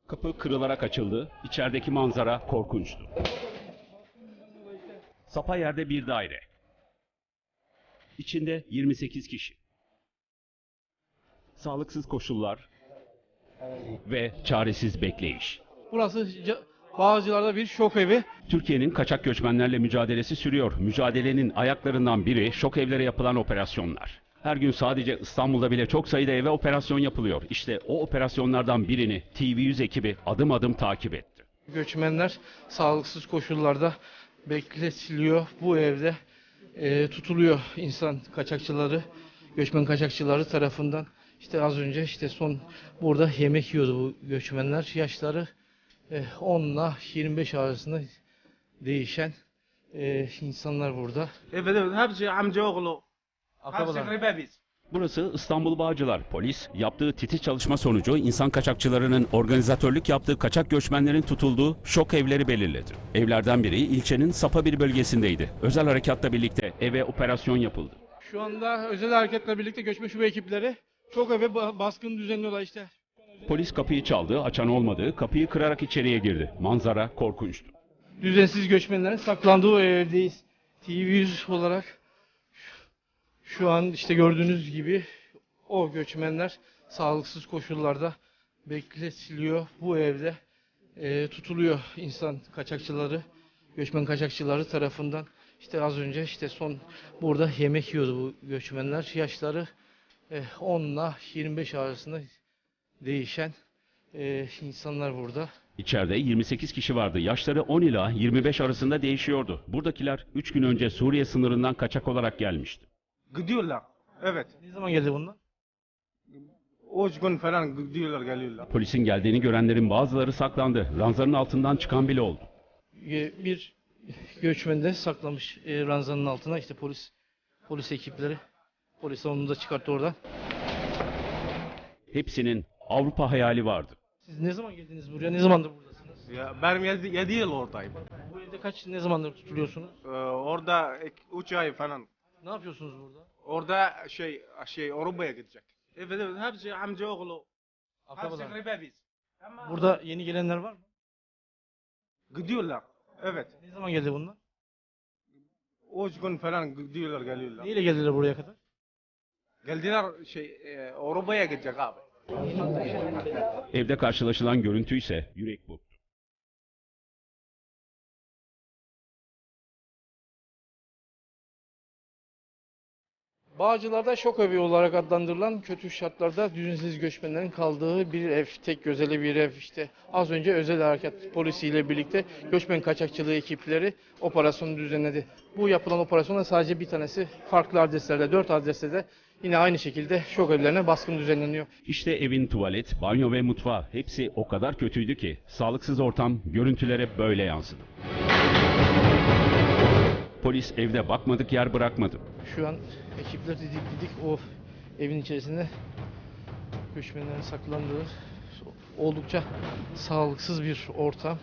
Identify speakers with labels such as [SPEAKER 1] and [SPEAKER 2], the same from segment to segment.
[SPEAKER 1] Kapı kırılarak açıldı. İçerideki manzara korkunçtu. Sapa yerde bir daire. İçinde 28 kişi. Sağlıksız koşullar ve çaresiz bekleyiş.
[SPEAKER 2] Burası Bağcılar'da bir şok evi.
[SPEAKER 1] Türkiye'nin kaçak göçmenlerle mücadelesi sürüyor. Mücadelenin ayaklarından biri şok evlere yapılan operasyonlar. Her gün sadece İstanbul'da bile çok sayıda eve operasyon yapılıyor. İşte o operasyonlardan birini TV100 ekibi adım adım takip etti.
[SPEAKER 2] Göçmenler sağlıksız koşullarda bekletiliyor. Bu evde tutuluyor insan kaçakçıları, göçmen kaçakçıları tarafından. İşte az önce son burada yemek yiyordu bu göçmenler. Yaşları 10 ile 25 arasında değişen insanlar burada.
[SPEAKER 3] Evet hepsi amcaoğlu.
[SPEAKER 2] Akrabalar.
[SPEAKER 3] Hepsi ribebiz.
[SPEAKER 1] Burası İstanbul Bağcılar. Polis yaptığı titiz çalışma sonucu insan kaçakçılarının organizatörlük yaptığı kaçak göçmenlerin tutulduğu şok evleri belirledi. Evlerden biri ilçenin Sapa bir bölgesindeydi. Özel harekatla birlikte eve operasyon yapıldı.
[SPEAKER 2] Şu anda özel hareketle birlikte göçmen şube ekipleri çok eve baskın düzenliyorlar işte.
[SPEAKER 1] Polis kapıyı çaldı, açan olmadı, kapıyı kırarak içeriye girdi. Manzara korkunçtu.
[SPEAKER 2] Düzensiz göçmenlerin saklandığı o evdeyiz. TV100 olarak şu an gördüğünüz gibi o göçmenler sağlıksız koşullarda bekletiliyor. Bu evde tutuluyor insan kaçakçıları, göçmen kaçakçıları tarafından. İşte az önce son burada yemek yiyordu bu göçmenler. Yaşları 10 ile 25 arasında değişen insanlar burada.
[SPEAKER 1] İçeride 28 kişi vardı. Yaşları 10 ila 25 arasında değişiyordu. Buradakiler 3 gün önce Suriye sınırından kaçak olarak gelmişti.
[SPEAKER 3] Gidiyorlar. Evet.
[SPEAKER 2] Ne zaman geldi bunlar?
[SPEAKER 3] O gün falan gidiyorlar geliyorlar.
[SPEAKER 1] Polisin geldiğini görenlerin bazıları saklandı. Ranzanın altından çıkan bile oldu.
[SPEAKER 2] Bir göçmen de saklamış ranzanın altına. İşte polis ekipleri. Polis onu da çıkarttı oradan.
[SPEAKER 1] Hepsinin Avrupa hayali vardı.
[SPEAKER 2] Siz ne zaman geldiniz buraya? Ne zamandır buradasınız?
[SPEAKER 3] Ya, benim 7 yıl oradayım.
[SPEAKER 2] Bu evde ne zamandır tutuluyorsunuz?
[SPEAKER 3] Orada 3 ay falan.
[SPEAKER 2] Ne yapıyorsunuz burada?
[SPEAKER 3] Orada Avrupa'ya gidecek. Evet hepsi amcaoğlu. Hepsi
[SPEAKER 2] Akrabalar.
[SPEAKER 3] ribebiz.
[SPEAKER 2] Burada yeni gelenler var mı?
[SPEAKER 3] Gidiyorlar. Evet.
[SPEAKER 2] Ne zaman geldi bunlar?
[SPEAKER 3] O gün falan gidiyorlar geliyorlar.
[SPEAKER 2] Neyle geldiler buraya kadar?
[SPEAKER 3] Geldiler Avrupa'ya gidecek abi.
[SPEAKER 1] Evde karşılaşılan görüntü ise yürek burktu.
[SPEAKER 2] Bağcılar'da şok evi olarak adlandırılan kötü şartlarda düzensiz göçmenlerin kaldığı bir ev, tek gözeli bir ev. Az önce özel harekat polisiyle birlikte göçmen kaçakçılığı ekipleri operasyonu düzenledi. Bu yapılan operasyonda sadece bir tanesi farklı adreslerde, 4 adreste de yine aynı şekilde şok evlerine baskın düzenleniyor.
[SPEAKER 1] İşte evin tuvalet, banyo ve mutfağı hepsi o kadar kötüydü ki sağlıksız ortam görüntülere böyle yansıdı. Polis evde bakmadık yer bırakmadı.
[SPEAKER 2] Şu an ekipler didik o evin içerisinde göçmenlerin saklandığı oldukça sağlıksız bir ortam.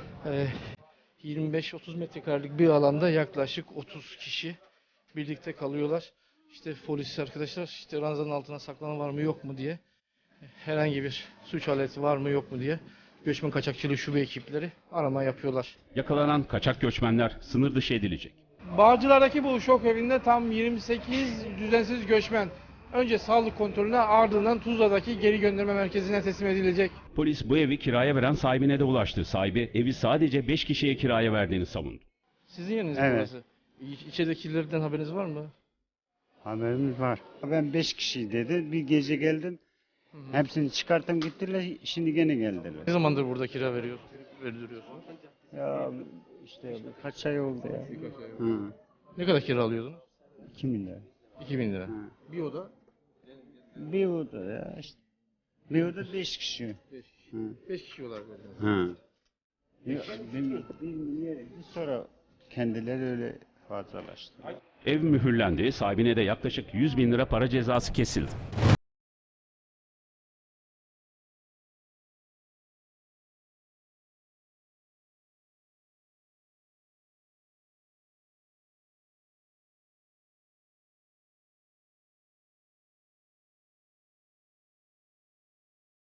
[SPEAKER 2] 25-30 metrekarelik bir alanda yaklaşık 30 kişi birlikte kalıyorlar. Polis arkadaşlar ranzanın altına saklanan var mı yok mu diye, herhangi bir suç aleti var mı yok mu diye göçmen kaçakçılığı şube ekipleri arama yapıyorlar.
[SPEAKER 1] Yakalanan kaçak göçmenler sınır dışı edilecek.
[SPEAKER 2] Bağcılar'daki bu şok evinde tam 28 düzensiz göçmen önce sağlık kontrolüne, ardından Tuzla'daki geri gönderme merkezine teslim edilecek.
[SPEAKER 1] Polis bu evi kiraya veren sahibine de ulaştı. Sahibi evi sadece 5 kişiye kiraya verdiğini savundu.
[SPEAKER 2] Sizin yeriniz mi
[SPEAKER 4] Evet.
[SPEAKER 2] burası? İçeridekilerden haberiniz var mı?
[SPEAKER 4] Haberimiz var. Ben 5 kişi dedi. Bir gece geldim. Hepsini çıkarttım gittiler. Şimdi gene geldiler.
[SPEAKER 2] Ne zamandır burada kira verdiriyorsunuz?
[SPEAKER 4] Ya işte kaç ay oldu ya. Hı.
[SPEAKER 2] Ne kadar kira alıyordunuz?
[SPEAKER 4] 2 milyar.
[SPEAKER 2] 2000 lira.
[SPEAKER 4] Hı.
[SPEAKER 2] Bir oda?
[SPEAKER 4] Bir oda ya işte. Bir oda 5 kişi.
[SPEAKER 2] 5 kişi olarak verdiniz.
[SPEAKER 4] Hı. Bir sonra kendileri öyle fazlalaştı.
[SPEAKER 1] Ev mühürlendi, sahibine de yaklaşık 100 bin lira para cezası kesildi.